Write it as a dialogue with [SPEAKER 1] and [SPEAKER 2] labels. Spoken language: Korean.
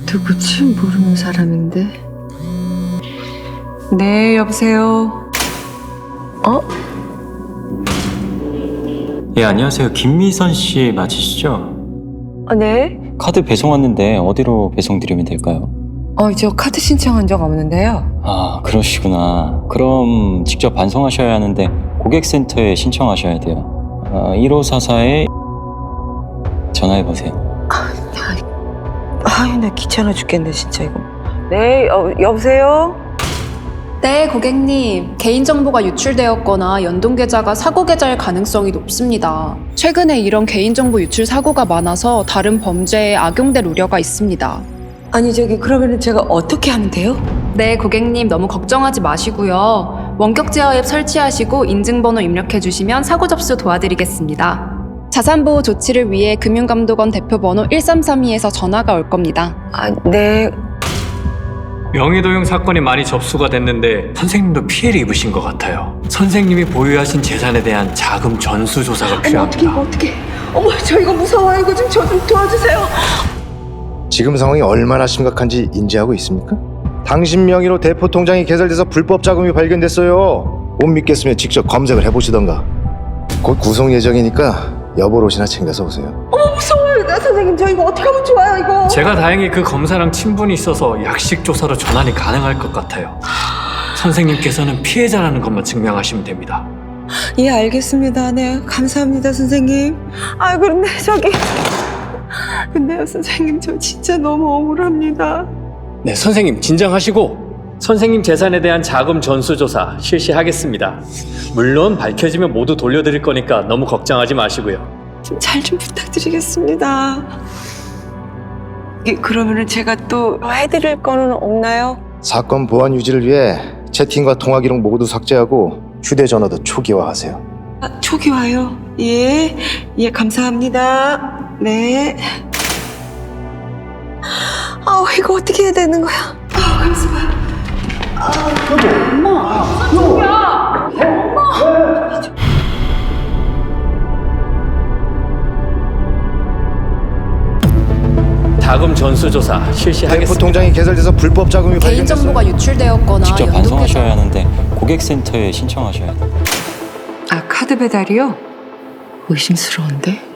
[SPEAKER 1] 누구지? 모르는 사람인데. 네, 여보세요.
[SPEAKER 2] 예, 안녕하세요. 김미선 씨 맞으시죠?
[SPEAKER 1] 네.
[SPEAKER 2] 카드 배송 왔는데 어디로 배송드리면 될까요?
[SPEAKER 1] 저 카드 신청한 적 없는데요.
[SPEAKER 2] 아, 그러시구나. 그럼 직접 반송하셔야 하는데 고객센터에 신청하셔야 돼요. 1544에 전화해보세요.
[SPEAKER 1] 나 귀찮아 죽겠네, 진짜 이거. 네, 여보세요?
[SPEAKER 3] 네, 고객님. 개인정보가 유출되었거나 연동계좌가 사고계좌일 가능성이 높습니다. 최근에 이런 개인정보 유출 사고가 많아서 다른 범죄에 악용될 우려가 있습니다.
[SPEAKER 1] 아니, 그러면은 제가 어떻게 하면 돼요?
[SPEAKER 3] 네, 고객님 너무 걱정하지 마시고요. 원격 제어 앱 설치하시고 인증번호 입력해주시면 사고 접수 도와드리겠습니다. 자산보호 조치를 위해 금융감독원 대표번호 1332에서 전화가 올 겁니다.
[SPEAKER 1] 네.
[SPEAKER 4] 명의도용 사건이 많이 접수가 됐는데 선생님도 피해를 입으신 것 같아요. 선생님이 보유하신 재산에 대한 자금 전수 조사가 필요합니다.
[SPEAKER 1] 어떻게? 저 이거 무서워요. 이거 좀 저 좀 도와주세요.
[SPEAKER 5] 지금 상황이 얼마나 심각한지 인지하고 있습니까? 당신 명의로 대포 통장이 개설돼서 불법 자금이 발견됐어요. 못 믿겠으면 직접 검색을 해보시던가. 곧 구속 예정이니까 여벌 옷이나 챙겨서 오세요.
[SPEAKER 1] 무서워요. 선생님, 저 이거 어떻게 하면 좋아요, 이거?
[SPEAKER 4] 제가 다행히 그 검사랑 친분이 있어서 약식 조사로 전환이 가능할 것 같아요. 선생님께서는 피해자라는 것만 증명하시면 됩니다.
[SPEAKER 1] 예, 알겠습니다. 네, 감사합니다, 선생님. 근데요, 선생님, 저 진짜 너무 억울합니다.
[SPEAKER 4] 네, 선생님 진정하시고 선생님 재산에 대한 자금 전수 조사 실시하겠습니다. 물론 밝혀지면 모두 돌려드릴 거니까 너무 걱정하지 마시고요.
[SPEAKER 1] 잘 좀 부탁드리겠습니다. 그러면은 제가 또 해드릴 거는 없나요?
[SPEAKER 5] 사건 보안 유지를 위해 채팅과 통화 기록 모두 삭제하고 휴대전화도 초기화하세요.
[SPEAKER 1] 초기화요? 예, 감사합니다. 네. 이거 어떻게 해야 되는 거야? 감사해요.
[SPEAKER 4] 자금 전수 조사
[SPEAKER 5] 대포
[SPEAKER 4] 실시하겠습니다.
[SPEAKER 5] 통장이 개설돼서 불법 자금이 발견됐어요.
[SPEAKER 3] 개인정보가 유출되었거나
[SPEAKER 2] 직접
[SPEAKER 3] 연동계좌
[SPEAKER 2] 반송하셔야 하는데 고객센터에 신청하셔야 돼요.
[SPEAKER 1] 카드 배달이요? 의심스러운데?